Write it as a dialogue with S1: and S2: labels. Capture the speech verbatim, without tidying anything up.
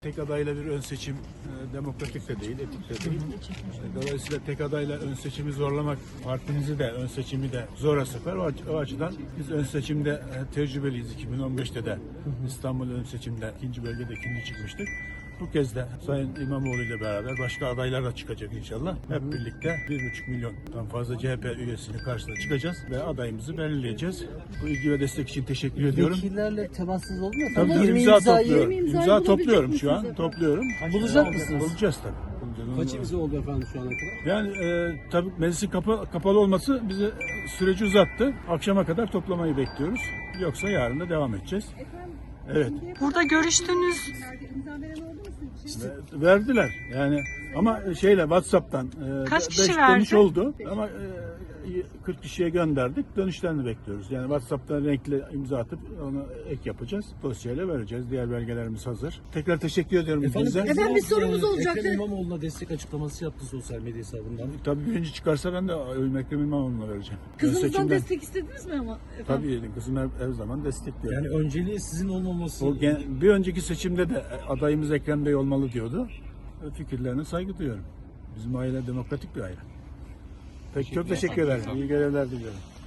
S1: Tek adayla bir ön seçim e, demokratik de değil, etik de değil. E, Dolayısıyla tek adayla ön seçimi zorlamak partimizi de ön seçimi de zora sokar. O, aç- o açıdan biz ön seçimde e, tecrübeliyiz. iki bin on beşte de İstanbul ön seçimde ikinci bölgede ikinci çıkmıştık. Bu kez de Sayın İmamoğlu ile beraber başka adaylar da çıkacak inşallah. Hep birlikte bir buçuk milyondan fazla C H P üyesini karşısına çıkacağız ve adayımızı belirleyeceğiz. Bu ilgi ve destek için teşekkür ediyorum.
S2: Vekillerle temassız oldu mu?
S1: Tabii
S2: efendim?
S1: tabii,
S2: yirmi
S1: imza
S2: imzayı
S1: topluyorum.
S3: imzayı
S1: İmza
S3: bulabilecek
S1: topluyorum
S3: misiniz
S1: şu an.
S3: efendim?
S1: Topluyorum.
S2: Bulacak mısınız?
S1: Bulacağız tabii. Bulacağız.
S4: Kaç imza oldu efendim şu ana kadar?
S1: Yani e, tabii meclisin kapı, kapalı olması bizi e, süreci uzattı. Akşama kadar toplamayı bekliyoruz. Yoksa yarın da devam edeceğiz. Evet.
S3: Burada görüştünüz.
S1: Ve- Verdiler yani ama şeyle WhatsApp'tan e,
S3: Kaç
S1: be-
S3: kişi
S1: beş
S3: verdi?
S1: dönüş oldu ama e, kırk kişiye gönderdik. Dönüşlerini bekliyoruz. Yani WhatsApp'tan renkli imza atıp onu ek yapacağız. Dosyayla vereceğiz. Diğer belgelerimiz hazır. Tekrar teşekkür ediyorum size.
S3: Efendim, bir sorumuz
S4: e,
S3: olacaktı.
S4: Ekrem İmamoğlu'na destek açıklaması yaptı sosyal medya hesabından.
S1: Tabii birinci çıkarsa ben de oyumu Ekrem İmamoğlu'na vereceğim.
S3: Kızınızdan
S1: Seçimden-
S3: destek istediniz mi ama? Efendim?
S1: Tabii kızım her, her zaman destekliyor.
S4: Yani önceliği sizin olmaması.
S1: O gen- bir önceki seçimde de adayımız Ekrem Bey olmalı diyordu. Fikirlerine saygı duyuyorum. Bizim aile demokratik bir aile. Peki çok teşekkür ederim. İyi görevler diliyorum.